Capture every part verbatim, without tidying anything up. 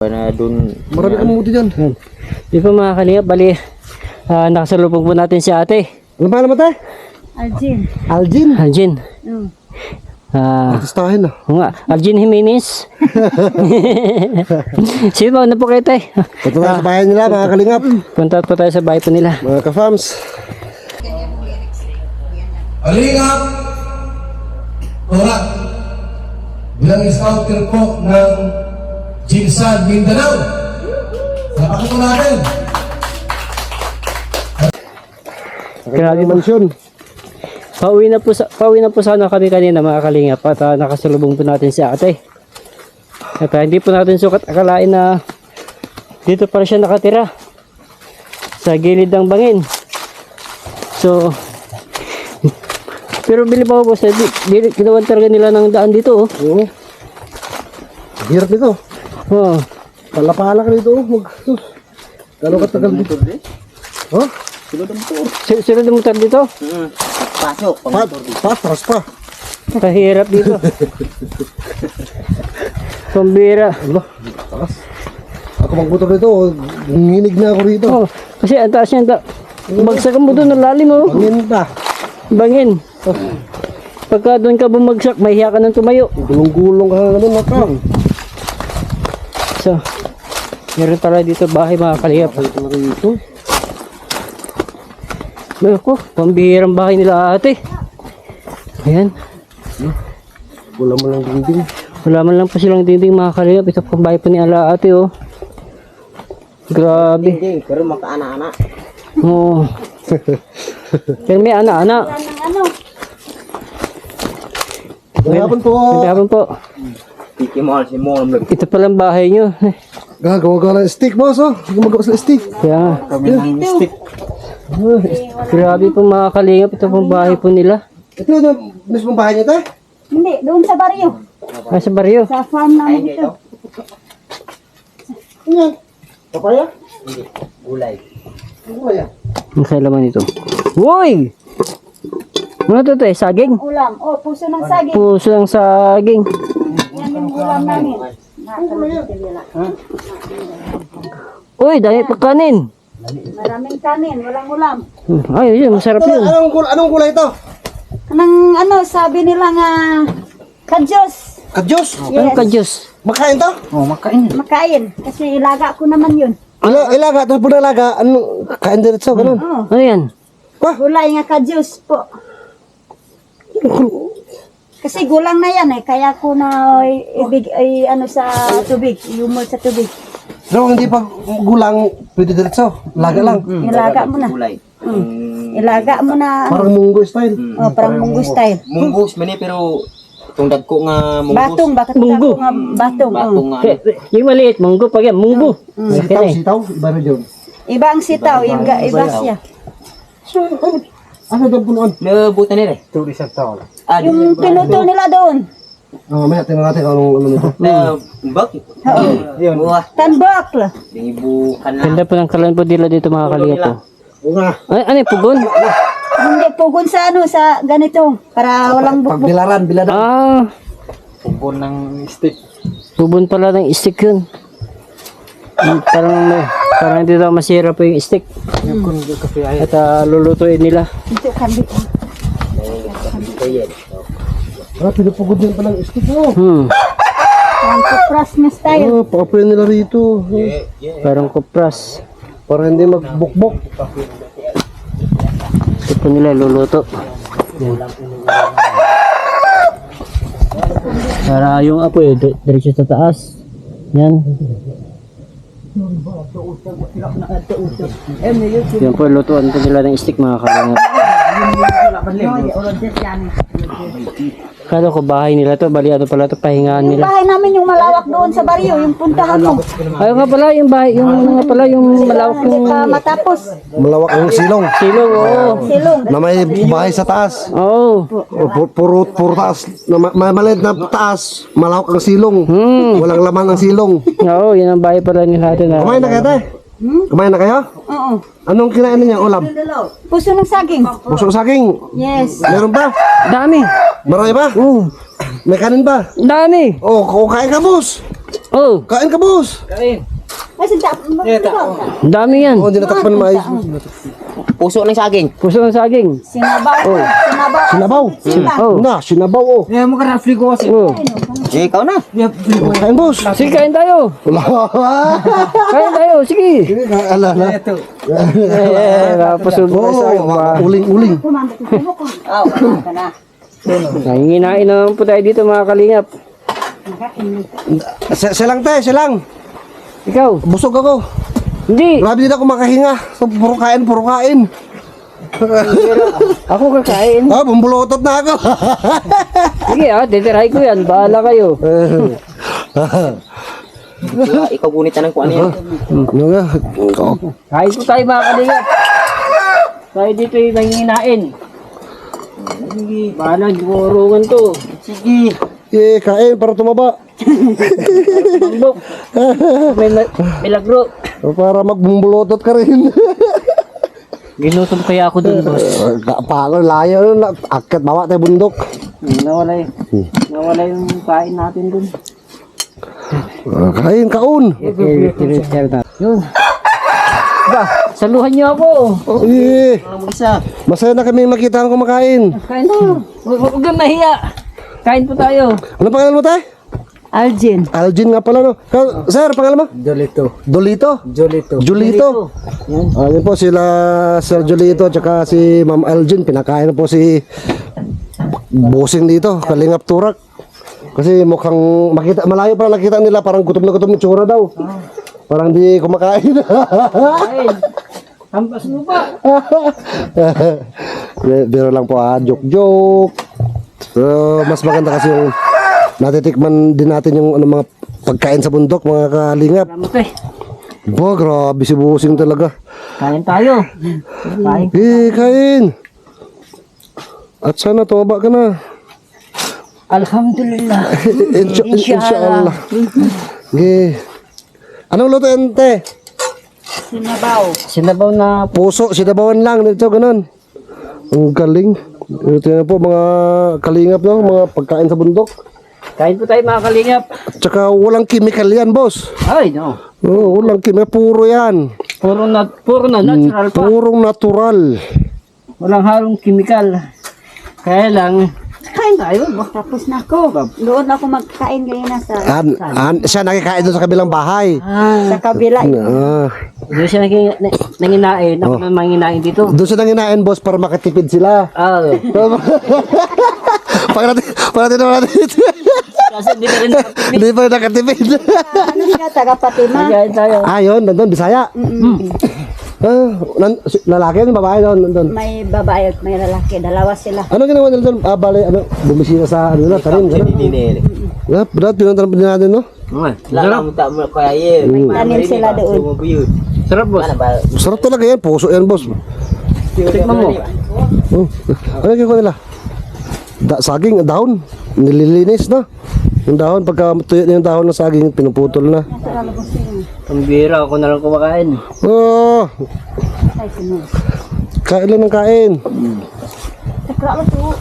Na dun. Marami kang muti dyan. Di pa mga kalingap, bali, uh, nakasalubong po natin si ate. Ano pa naman tayo? Aljin. Aljin. Aljin. Mm. Ah, Artistahin na. oo nga, Aljin Jimenez. Sino ba? Ano po kayo tayo? Punta tayo sa bahay nila, mga kalingap. Punta po tayo sa bahay po nila. Mga ka-fams. Kalingap Torat bilang scouter po ng Jinsan Mindanao. Sapakin po natin. Grabe mo. Mansyon. Pauwi na po, sa, pauwi na po sana kami kanina mga kalingap at uh, nakasalubong po natin si ate. At uh, hindi po natin sukat akalain na dito para siya nakatira sa gilid ng bangin. So, pero bili pa po sa ginawan talaga nila ng daan dito. Oh. Oo. Hirap nito. Oh. Palapala ka dito. Mag... Gano'ng katagal dito? Oh? S- Sino ng motor dito? Pasok. Pa, patras pa. Kahirap dito. Pambira. Allah, taas. Ako magmotor dito, nginig na ako rito. Oh, kasi ang taas niyan. Ta bagsakan mo doon, ang lalim oh. Pangin pa. Bangin. Pagka doon ka bumagsak, mahiya ka ng tumayo. Gulong-gulong ka na naman, nakang. So, meron pala dito bahay mga kalingap. Ito na rito. Ako, pambihirang bahay nila ate. Ayan. Wala mo lang dingding. Wala man lang pa silang dinding mga kalingap. Ito pang bahay pa ni ala ate oh. Grabe. Hindi, pero makaana-ana. Oo. Pero may ana-ana. Yan ang ano. Gagapon po. Magkabang po. Tiki mo, si Mom. Ito palang bahay nyo. Gagawa ka ng stick, boss, oh. Gumagawa sa stick. Kaya nga. Kami ng stick. Grabe po mga kalingap. Ito pong bahay po nila. Ito na, mismong bahay niya, tayo? Hindi, doon sa baryo. Ah, sa baryo. Sa farm namin dito. Ano yan? Papaya? Hindi, gulay. Ano ba yan? Ang kailaman ito. Uy! Ano ito tayo? Saging? Ulam. Oh, puso ng saging. Puso ng saging. Yan yung ulam namin. Nakakalito nila. Uy, dami pa kanin. Maraming kanin, walang ulam. Hmm, ay, yun, masarap Ito, yun. anong, gul anong gulay ito? Anong ano, sabi nila nga, kadyos. Kadyos? Ano ka, Diyos? Makain to? Oh, makain. Makain. Kasi ilaga ko naman yun. Ila, ilaga, tapos pag nalaga, ano, kain diretso, ganun. Oh, Ano yan? gulay nga kadyos po. Kasi gulang na yan eh. Kaya ko na ay, ibig, ay ano sa tubig. Humol sa tubig. Pero hindi pa gulang, pwede diretso. Laga lang. Ilaga mo na. Gulay. Mm. Ilaga mo na. Parang munggo style. Oh, parang munggo style. Munggos man eh, pero tungdad ko nga munggos. Batong, bakit Munggo. ko nga batong. Batong oh. nga. ano. Yung maliit, munggo. Pag yan, munggo. Okay Sitaw, na eh. sitaw, iba na dyan. Iba ang sitaw, iba, iba siya. So, ano, ano daw punuan? Nabutan nila eh. Two isang taon. Ah, Yung pinuto nila doon. Oh, may tingnan natin anong ano nito. na bak. Yun. Wah, Tanbak la. dingibukan na. Ganda po ng kalan po nila dito mga kalingap po. Bunga. Ay, ano yung pugon? Hindi pugon sa ano, sa ganito. Para walang Pag bukbuk. bilaran, bilaran. Ah, Pugon ng stick. pugon pala ng stick yun. Hmm, Parang, may- parang hindi daw masira po yung stick. At ah, lulutuin nila. Ito kandi. Ah, pinupugod din palang stick mo. Hmm, Ang kupras na style. Oh, pakapin nila rito. parang kupras. Para hindi magbukbok. Ito po nila luluto. Yan. Para yung apoy, di- diretso sa taas. Yan. Yan po, lutuan po nila ng stick mga kalingap. Kala ko bahay nila to, bali ano pala to, pahingaan Yung nila. bahay namin yung malawak doon sa baryo, yung puntahan mo. Ayaw nga pala yung bahay, yung ano nga pala yung malawak Hindi yung pa matapos. Malawak ang silong. silong, oo. Silong. Na may bahay sa taas. Oo. O, pu- puro, puro taas. Na, ma- ma- maliit na taas. Malawak ang silong. Hmm. Walang laman ang silong. Oo, yun ang bahay pala nila natin. Kumain na kayo, tayo? Kumain na kayo? Oo. Anong kinain niya? Ulam? Puso ng saging. Puso saging. Yes. Meron ba? Dami. Marami ba? Oo. May kanin ba? Dami. Oh, kukain ka, boss. Oh, Kain ka, boss. Kain. Ay, sinta. ang dami yan. Oo, hindi natakpan na maayos. Puso ng saging. Puso ng saging. Sinabaw. Sinabaw. Sinabaw. Oh. Na, sinabaw, oh. Eh, mo ka na free ko kasi. Oh. Eh, ikaw na. Kain, boss. Sige, kain tayo. Wala. Kain tayo, sige. Sige, ala, ala. Ito. Eh, napusog na sa akin pa. Oo, uling-uling. Kumanda ko. Subo ko. Ah, wala ka na. Nanginginain na naman po tayo dito mga kalingap. Siya siya lang, te, siya lang. Ikaw, Busog ako. hindi. Grabe din ako makahinga. So, puro kain, puro kain. Ako kakain. Ah, bumbulutot na ako. Sige ah, titirahin ko yan. Bahala kayo. Ikaw, ikaw gunit na ng kung ano yan. Ano nga? Kain ko tayo mga kalingap. Tayo dito yung nanginginain. Sige, bahala, gumurungan to. Sige. Eh, kain para tumaba. Bambok. May ma- milagro. Para magbumbulutot ka rin. Ginutom kaya ako dun, boss. Paano, layo. Akit, bawa tayo bundok. Nawala yung, nawala yung kain natin dun. Ah, kain, kaun. Yun. Ba, saluhan niyo ako. Oh, eh, Ang isa. masaya na kami makita ang kumakain. Kain tayo. Huwag huwag kang mahiya. Kain po tayo. Ano pangalan mo, tay? Algin. Algin nga pala, no? Ka- Sir, pangalan mo? Jolito. Dolito? Jolito. Julito. Ah, yun po sila Sir Julito at saka si Ma'am Algin. Pinakain na po si Busing dito, Kalingap Turak. Kasi mukhang makita, malayo pa nakita nila parang gutom na gutom yung tsura daw. Parang di kumakain. Kain. Hampas mo pa. Biro lang po ah, joke-joke. So, mas maganda kasi yung natitikman din natin yung ano, mga pagkain sa bundok, mga kalingap. Salamat eh. Ba, grabe si Busing talaga. Kain tayo. Kain. Eh, kain. At sana tumaba ka na. Alhamdulillah. Insya, inshallah. Eh. Anong luto yan, te? Sinabaw. Sinabaw na Puso, sinabawan lang. Dito, ganun. Ang galing. Ito na po, mga kalingap, no? Mga pagkain sa bundok. kain po tayo mga kalingap. At saka walang chemical yan, boss. Ay, no. Oo, walang chemical. Puro yan. Puro na, puro na natural pa. Purong natural. Walang halong kimikal. Kaya lang, Kain tayo. Tapos na ako. Doon ako magkain kanina sa An, an, siya nakikain doon sa kabilang bahay. ah, sa kabila. Ah, doon siya naging, na, nanginain. Ako na manginain dito. doon sa nanginain, boss, para makatipid sila. Ah, Pag natin, pag natin naman natin. kasi hindi na rin nakatipid. Hindi pa nakatipid. Ano siya, taga Fatima. Kain tayo. Ah, yun, nandun, Bisaya. Ah, nan, si- lalaki yun, babae doon, nandun. May babae at may lalaki. Dalawa sila. Ano ginawa nila doon? Ah, bale, ano, bumisina sa, ano na, tanim, gano'n. Ah, brad, pinuntan din natin, no? Lala mo tak mo kaya ye. Tanim sila doon. Sarap, boss. Sarap talaga yan, puso yan, boss. Tikman mo. Oh, ano ginawa nila? Da, saging, dahon, nililinis na. Yung dahon, pagka tuyo na yung dahon ng saging, pinuputol na. Pambira, ako na lang kumakain. Oh, Ay, sino? kain lang ng kain. Takra mo to.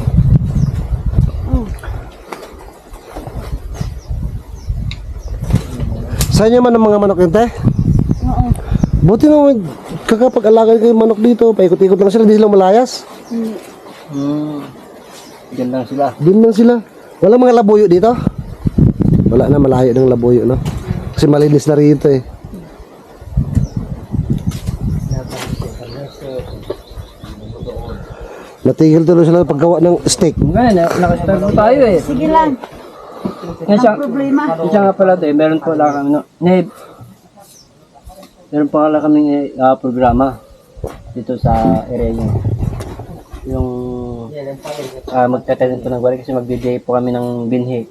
Sa inyo man ang mga manok yun, te? Oo. Buti naman, kakapag-alaga kayo manok dito, paikot-ikot lang sila, hindi sila malayas. Hmm. Diyan lang sila. Doon lang sila. Wala mga labuyo dito? Wala na, malayo ng labuyo, no? Kasi malinis na rito eh. Natigil tuloy sila ng paggawa ng steak. Ngayon, na- nakastart po tayo eh. Sige lang. Yan siya, Problema. yan siya nga pala tayo, meron po lang kami, no? Ne, meron po lang kami uh, programa dito sa area niyo. Yung uh, magtatanim po ng gulay kasi mag-D J po kami ng binhi.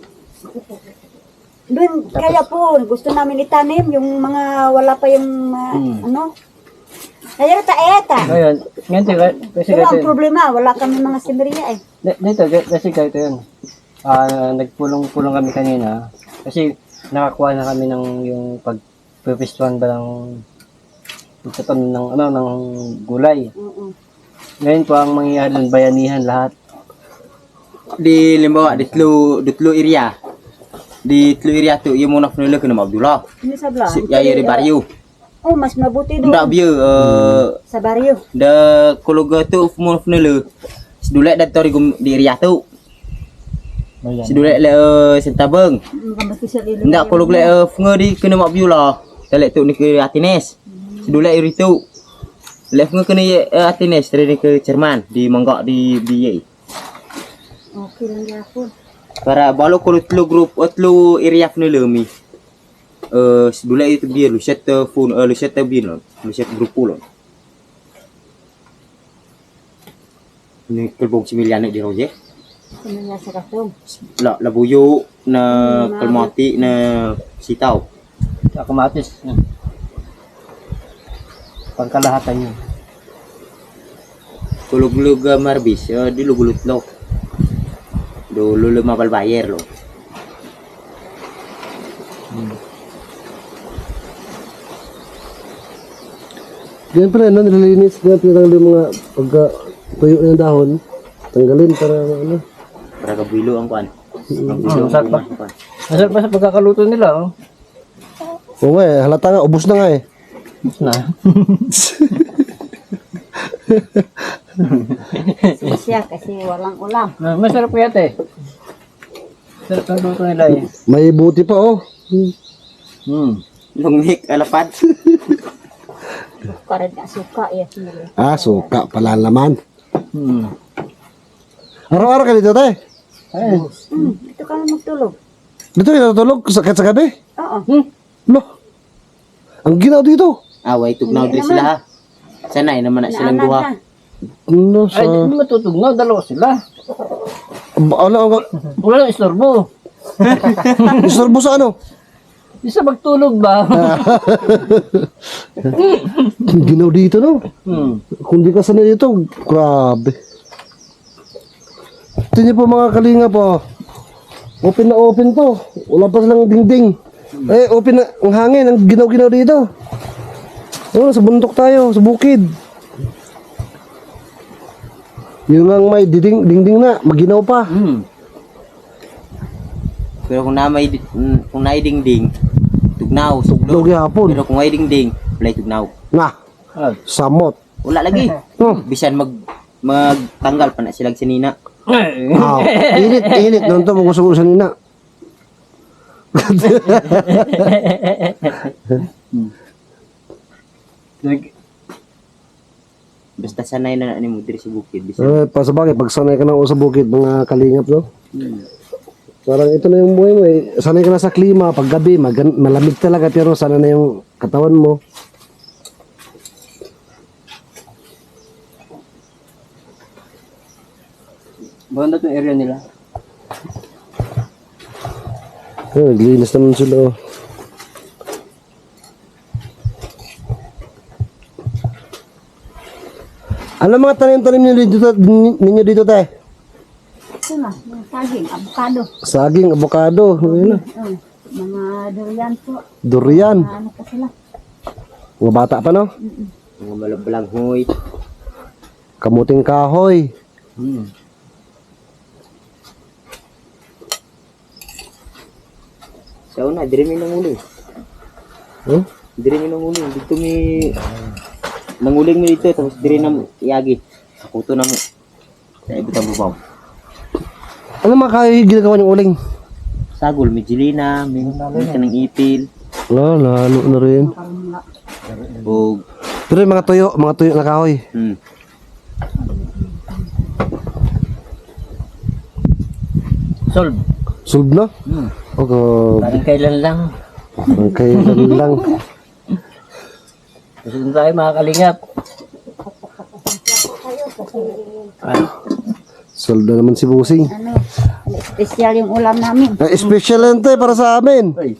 Doon, kaya po, gusto namin itanim yung mga wala pa yung uh, ano. Kaya ta eta. Ngayon, ngayon tayo, kasi Pero ang ganito, problema, wala kami mga simeriya eh. di- dito, di- kasi ganito yun. Ah, nagpulong-pulong kami kanina kasi nakakuha na kami ng yung pagpipistuan ba ng pagtatanim ng ano ng gulay. Oo. Ngayon po ang mangyayari doon, bayanihan lahat. Di limbawa ditlo ditlo area. di Tluiria tu ia muna fnele kena Abdullah. Ini sebelah. Si ya ya di Barrio. Oh, mas mabuti doon. Ndak bieu eh Sa baryo. da kologa tu muna fnele. Sedulek dan tori gum di area tu. Sedulek le sentabeng. Kamati sa lilo. Ndak kolog le fnge di kena Abdullah. Dalek tu ni ke Atines. Sedulek iri tu. Le fnge kena Atines dari ke Jerman di Monggok di B A. Okay lang yapon. Para balo ko tlo group otlo area fnele mi. Eh sedulek itu biar lu set phone lu set biar lu lu set grup lo. Ni kelbong similian di roje. Kumanya sa katong. La la buyo na kelmati na sitaw. Sa kamatis. Pangkalahatan niya. Kulug-lug uh, marbis uh, di lugulut lo. Do lulu mabal bayar lo. Ganyan pala, no? Nililinis. Ganyan pinatanggal yung mga pagka tuyo ng dahon. Tanggalin para ano. Para kabilo ang kuan. Ang bilo masarap ba? ang kuan. Masarap pa sa pagkakaluto nila, oh. Oo nga eh, halata nga, ubos na nga eh. Na. Siya kasi walang ulam. Ah, masarap kaya ate. Masarap ang luto nila eh. May buti pa oh. Hmm. Lungnik alapad. Kared na suka ya sinili. Ah, suka pala naman. Hmm. Araw-araw ka dito, te? Ay. Hmm, ito ka na magtulog. Dito kayo natutulog sa, kahit sa gabi? Oo. Hmm. Lo, ang ginaw dito. Away tugnaw diri sila ha. Sanay naman na silang duha. na. Ano sa... Ay, di matutugnaw. Dalawa sila. Ano, ano, Walang istorbo. istorbo sa ano? Isa magtulog ba? Ang ginaw dito, no? Hmm. Kung di ka sanay dito, grabe. Ito niyo po mga kalinga po. Open na open to. Wala pa silang dingding. Eh, open na ang hangin. Ang ginaw-ginaw dito. Oh, sa bundok tayo, sa bukid. Yun lang may dingding, dingding na. Maginaw pa. Hmm. Pero kung na may di- mm, kung naay dingding, tugnaw, sugdo. Logi hapon. Pero kung may dingding, wala tugnaw. Nga, Ah. samot. Wala lagi. Oh. Bisan mag magtanggal pa na silang sinina. Ah, init, init. Noon to, magusog sa nina. Basta sanay na ni mo diri sa bukid. Bisan Eh, pasabagay, pag sanay ka na sa bukid, mga kalingap, no? Parang ito na yung buhay mo eh. Sanay ka na sa klima, pag gabi, magan- malamig talaga, pero sana na yung katawan mo. Banda itong area nila. Eh, naglinis naman sila, oh. Ano mga tanim-tanim ninyo dito, ninyo dito, te? Ito na, yung saging, avocado. Saging, avocado, ayun na. Oh, mga durian po. Durian. Ano pa sila? Mga bata pa, no? mga malabalang hoy. Kamuting kahoy. Hmm. Sa una, diri mi nanguling. Huh? Diri mi nanguling. Dito mi nanguling mi dito tapos diri na iagi. Kakuto na mo. Sa ibutang bubaw. Ano mga kahoy ginagawa niyong uling? Sagol, may jilina, may may kanang ipil, Wala, lalo na rin. o Pero yung mga tuyo, mga tuyo na kahoy. hmm. Solve. Solve na? Hmm. O, grabe. Parang kailan lang. Ang kailan lang. Kasi dun tayo mga kalingap. Ah, Solve na naman si Busing. Ano, ano, special yung ulam namin. Ang special yan to eh, para sa amin. ay.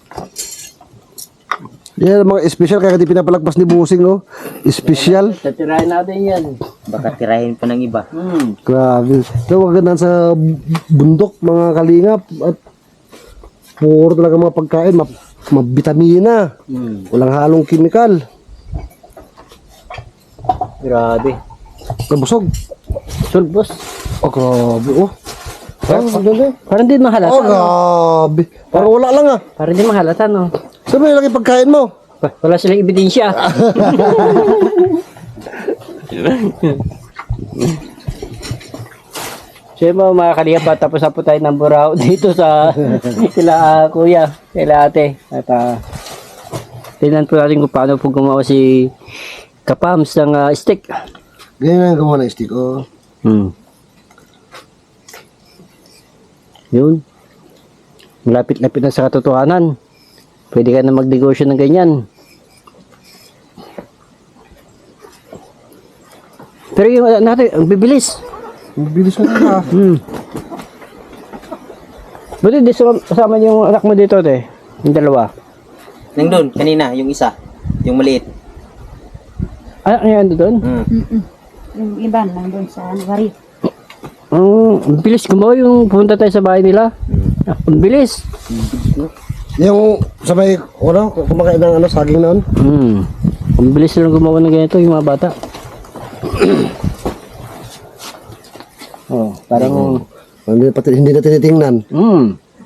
Yan, mga special kaya di pinapalagpas ni Busing, no? Special. Tatirahin natin yan. Baka tirahin pa ng iba. Hmm. Grabe. So, wag ganun sa bundok, mga kalingap. At puro talaga mga pagkain, ma mabitamina. Hmm. Walang halong kimikal. Grabe. Nabusog. Solve boss. Oh, grabe, oh. Oh, doon eh. Parang di mahalata. Oh, grabe. Parang wala lang ah. Parang di mahalata, no? Sabi yung laki pagkain mo. Wa- Wala silang ebidensya. So yun mga mga kalihap, tapos na po tayo ng burao dito sa sila ah, kuya, sila ate. At uh, tingnan po natin kung paano po gumawa si Kapams ng ah, stick. Ganyan ang gawa ng stick, oh. Hmm. Yun. Malapit-lapit na sa katotohanan. Pwede ka na magnegosyo ng ganyan. Pero yung uh, natin, ang bibilis. Ang bilis mo na. Hmm. Buti di sum- kasama yung anak mo dito, te. Yung dalawa. Nang doon, kanina, yung isa. Yung maliit. Anak niya ando doon? Mm. Mm-mm. Yung iba nandun sa Wari. Mm, ang bilis gumawa yung pumunta tayo sa bahay nila. Ah, ang bilis. Yung sa may, ano, kumakain ng ano, saging noon. Hmm. Ang bilis silang gumawa ng ganito, yung mga bata. Oh, parang... Hindi, pati, hindi na tinitingnan. Hmm.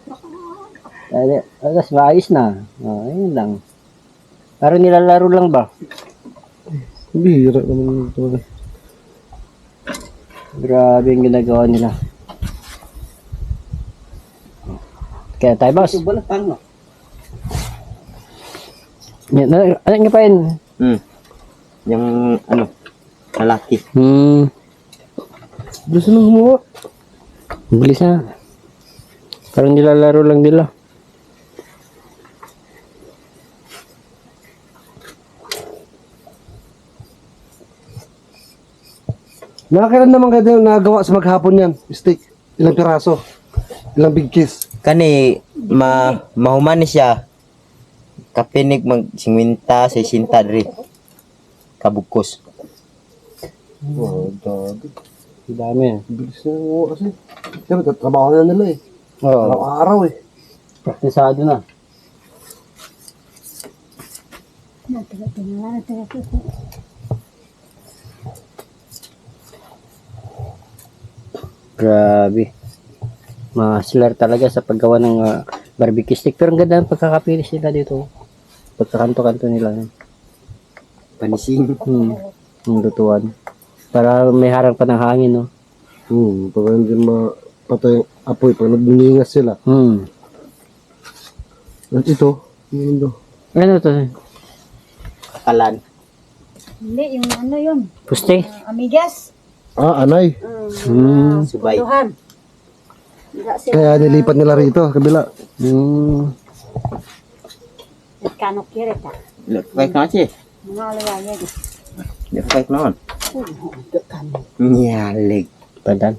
Tapos maayos na. Oh, ayun lang. Parang nilalaro lang ba? Bihira naman ito. Grabe yung ginagawa nila. Kaya tayo, boss. Yan, ano, ano nga pa yun? Mm. Yung, ano, lalaki. Hmm. Bilis na gumawa. Ang bilis na. Parang nilalaro lang nila. Nakakailan naman kayo yung nagawa sa maghapon yan? Steak. Ilang piraso? Ilang big kiss? Kani, ma, mahuman siya. Kapinig mag singwinta, sesinta diri. Kabukos. Oh, dami. Ang dami. Bilis na gumawa kasi. Siyempre, trabaho na nila eh. Oo. Araw-araw eh. Praktisado na. Grabe. Masler talaga sa paggawa ng ah, barbecue stick. Pero ang ganda ng pagkakapilis nila dito. Pagkakanto-kanto nila. Panising. Hmm. Ang lutuan. Para may harang pa ng hangin, no? Hmm, pag hindi mapatay yung apoy, pag nagningas sila. Hmm. At ito, yun do. Ano to? Kalan. Hindi, yung ano yun. Puste? Uh, amigas. Ah, anay. Hmm. Subay. Tuhan. Hindi sila. Kaya nilipat nila rito, kabila. Hmm. Kanok kira ta. Lekfek na siya. Mga alawaya di. Lekfek naman. Nyalig. Padan.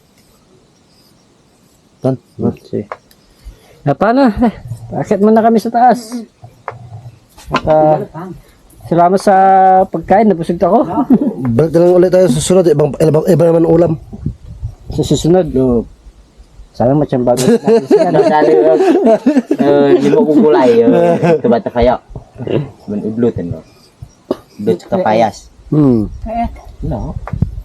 Tan. Sige. Ah, paano? Eh, Akit muna kami sa taas. At, ah, salamat sa pagkain. Nabusog ako. Balik na lang ulit tayo sa susunod, ibang, ibang, iba naman ulam. Sa susunod, no. Sana macam bagus natin siya. Ano sali eh lima ko kulay eh bata kayo. Ben udlutan mo. Udlut sa kapayas. Hmm. Kaya No.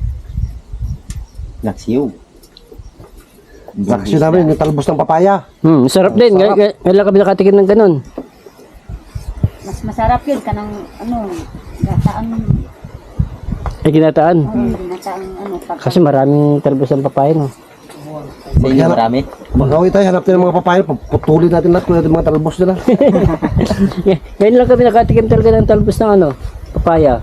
Naksiw. Bakasyon namin, yung talbos ng papaya. Hmm, sarap din. Ngay- ngay- Ngayon lang kami nakatikim ng ganun. mas masarap yun kanang ano, gataan. Ay, ginataan. Oh, gataan ano pag Kasi maraming talbos ng papaya, no? Sa inyo marami. Magawi tayo, hanap tayo ng mga papaya, putulin natin lahat kung natin mga talbos nila. Ngay- Ngayon lang kami nakatikim talaga ng talbos ng ano, papaya.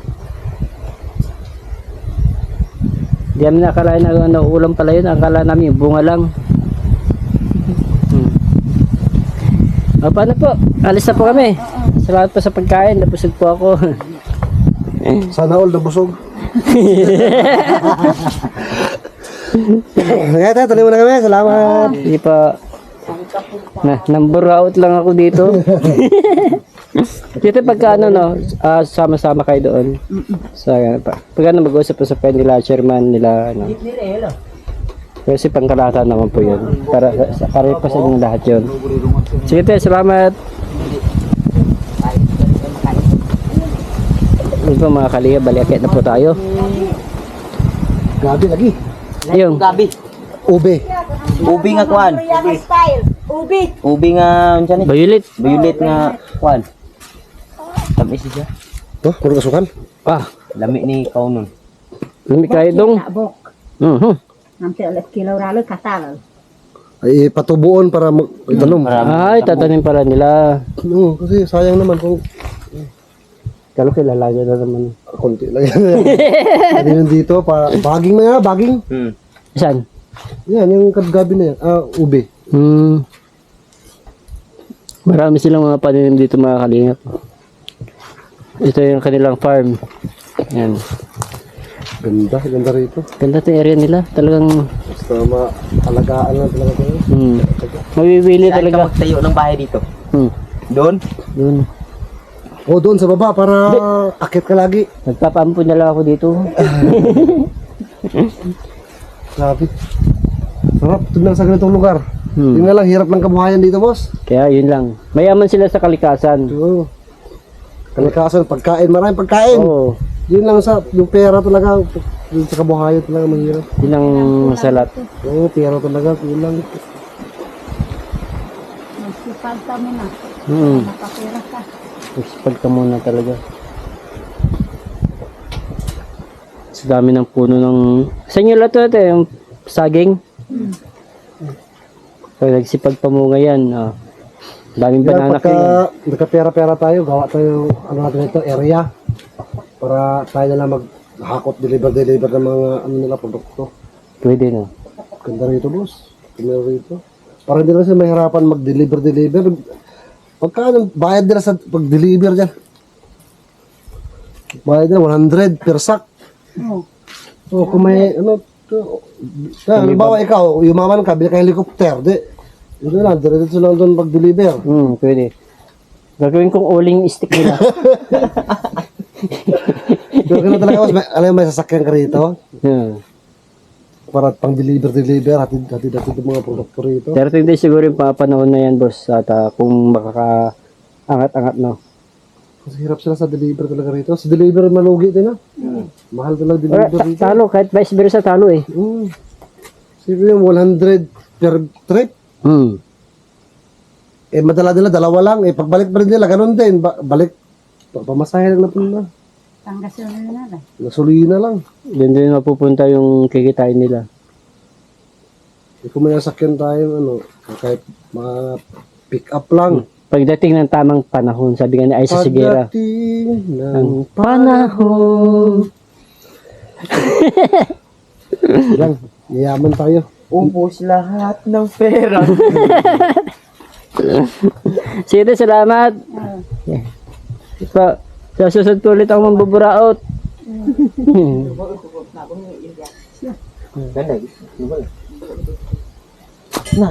Di namin nakalain na ano, ulam pala yun. Akala namin yung bunga lang. Hmm. O, paano po? Alis na po kami. Salamat po sa pagkain. Nabusog po ako. Sana all nabusog. Kaya tayo, tuloy mo na kami. Salamat. Hindi pa. Na, number out lang ako dito. Dito pagka ano no, ah, sama-sama kayo doon. Sa pa. Pag ano mag-usap po sa friend nila, chairman nila ano. Kasi pangkalahatan naman po 'yun. Para sa para pa sa inyong lahat 'yun. Sige tayo, salamat. Ito mga kaliya, baliakit na po tayo. Gabi lagi. Ayun. Gabi. Ube. Ubi nga kuan. Korean style. Ubi. Ubi nga unsa ni? Violet. Violet nga kuan. Tamis siya. To, puro kasukan. Ah, Lami ni kaunon. lumi kayo dong. Bok. Mhm. Nanti ulit kilaw ralo katal. Ay patubuon para mag itanong. Ay, tatanim pala nila. Oo, kasi sayang naman kung Kalo kilalagay na naman. konti lang yan. Hindi yun dito, pa, baging na yan, baging. Hmm. Saan? Yan, yung kadgabi na yan. Ah, ube. Hmm. Marami silang mga pananim dito mga kalingap. Ito yung kanilang farm. Yan. Ganda, ganda rito. Ganda itong area nila. Talagang Basta maalagaan lang talaga ito. hmm, mabibili Saan ka talaga. magtayo ng bahay dito? Hmm. Doon? Dun. O, doon sa baba para akit ka lagi. Nagpapaampun na lang ako dito. Grabe. Sarap, tignan sa ganitong lugar. Hmm. Yun nga lang, hirap ng kabuhayan dito, boss. Kaya yun lang. Mayaman sila sa kalikasan. Oo. Kalikasan, pagkain, maraming pagkain. Oo. Yun lang sa, yung pera talaga, yung sa kabuhayan talaga mahirap. Yun ang salat. Oo, pera talaga, yun lang. Magsipag kami na. Hmm. Nakapira ka. Magsipag ka muna talaga. Sa dami ng puno ng... Sa inyo lahat ito, yung saging. Pag nagsipag pamunga yan, ah, daming Kaya banana pagka yan. nagkapera-pera tayo, gawa tayo, ano natin ito, area. Para tayo na lang maghakot, deliver-deliver ng mga, ano nila, produkto. Pwede na. Ganda rito, boss. Ganda rito. Para hindi na sila mahirapan mag-deliver-deliver. Pagka, ano, bayad nila sa pag-deliver dyan. Bayad nila one hundred per sack. Oo. So, kung may, ano, to, na, halimbawa ikaw, yumaman ka, bili ka helicopter, di, yun na lang, diretso lang doon pag-deliver. Hmm, pwede. Gagawin kong uling stick nila. Pero ganun talaga, boss, may, alam mo, may sasakyan ka rito, Yeah. para pang deliver-deliver, hatid-hatid yung mga produkto rito. thirty days siguro yung mga panahon na yan, boss. At ah, kung makaka-angat-angat, no? Kasi hirap sila sa deliver talaga rito. Sa deliver, malugi din, ha? Mahal talaga Wala, deliver ta- rito. talo, kahit vice versa talo eh. Mm. Sige yung one hundred per trip. Hmm. Eh, madala nila, dalawa lang. Eh, pagbalik pa rin nila, ganun din. Ba- balik, pa- pamasahe lang na po na. Panggasolina na lang. Gasolina lang. Doon din mapupunta yung kikitain nila. Eh, kung may nasakyan tayo, ano, kahit mga pick up lang. Pagdating ng tamang panahon, sabi nga ni Aisa Sigera. Pagdating ng Ang panahon. lang, yayaman tayo. Ubus lahat ng pera. Sige, salamat. Pa, sa susunod po ulit ako mambuburaot. Ganda. Na.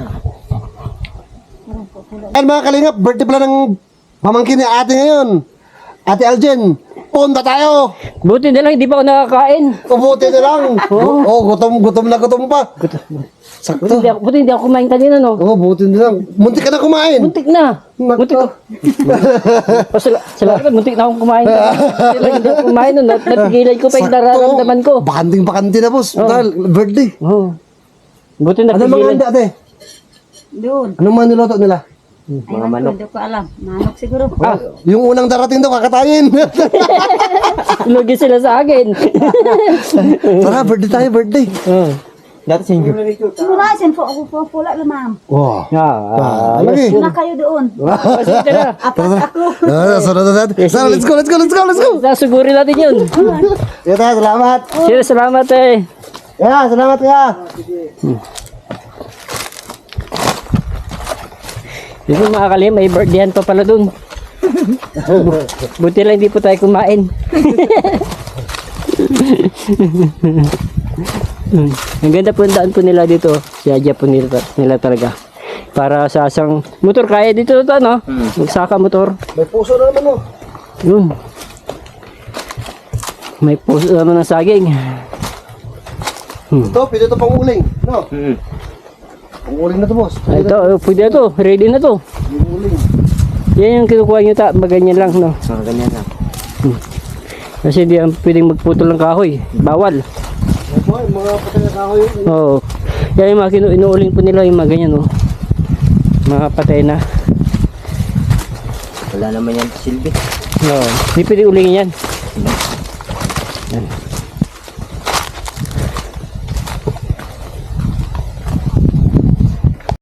Ayan mga kalingap, birthday pala ng pamangkin ni ate ngayon. Ate Aljen, punta tayo. Buti na lang, hindi pa ako nakakain. Ubuti na lang. Oo, oh, gutom, gutom na gutom pa. Buti Sakto. hindi ako, buti hindi ako kumain kanina, no? Oo, oh, buti na lang. Muntik ka na kumain. Muntik na. Muntik Nako. ko. O, sala, salamat, muntik na akong kumain. Hindi lang, hindi ako kumain nun. Nat- Natigilan ko pa yung nararamdaman ko. Bakanding bakante na, boss. Dahil birthday. Oh. Buti Ano mga natigilan. handa, ate? Doon. Anong mga niloto nila? Ayun ko, hindi ko alam. Manok siguro. Ah, Yung unang darating daw, kakatayin. lugi sila sa akin. Tara, birthday tayo, birthday. Oh. Dati sa inyo. Simula, sin po ako po pula lamam. Wow. Ah, Ah, lagi. Na kayo doon. ah, sige, tara. Apat ako. Ah, sunod na natin. Tara, let's go, let's go, let's go, let's go. Sasugurin natin yun. Sige tayo, salamat. Sila, salamat eh. Yeah, salamat ka. Hindi mga kalim, may birthdayhan pa pala dun. Buti lang hindi po tayo kumain. Ang ganda po ang daan po nila dito. Siya po nila, nila talaga. Para sa asang motor kaya dito to, no? Magsaka motor. May puso na naman, oh. Yun. May puso naman ng saging. Ito, pwede ito pang uling. No? Mm. Pang uling na to, boss. Ay, ito, oh, pwede na to. Ready na to. Yung uling. Yan yung kinukuha nyo ta. Maganyan lang, no? Ah, ganyan lang. Kasi hindi ang pwedeng magputol ng kahoy. Bawal. Ito, yung mga patay na kahoy. Oo. Kaya yung mga kinu- inuuling po nila yung mga ganyan, oh. Mga patay na. Wala naman yan silbi. Oo. Hindi pwede ulingin yan. Yan.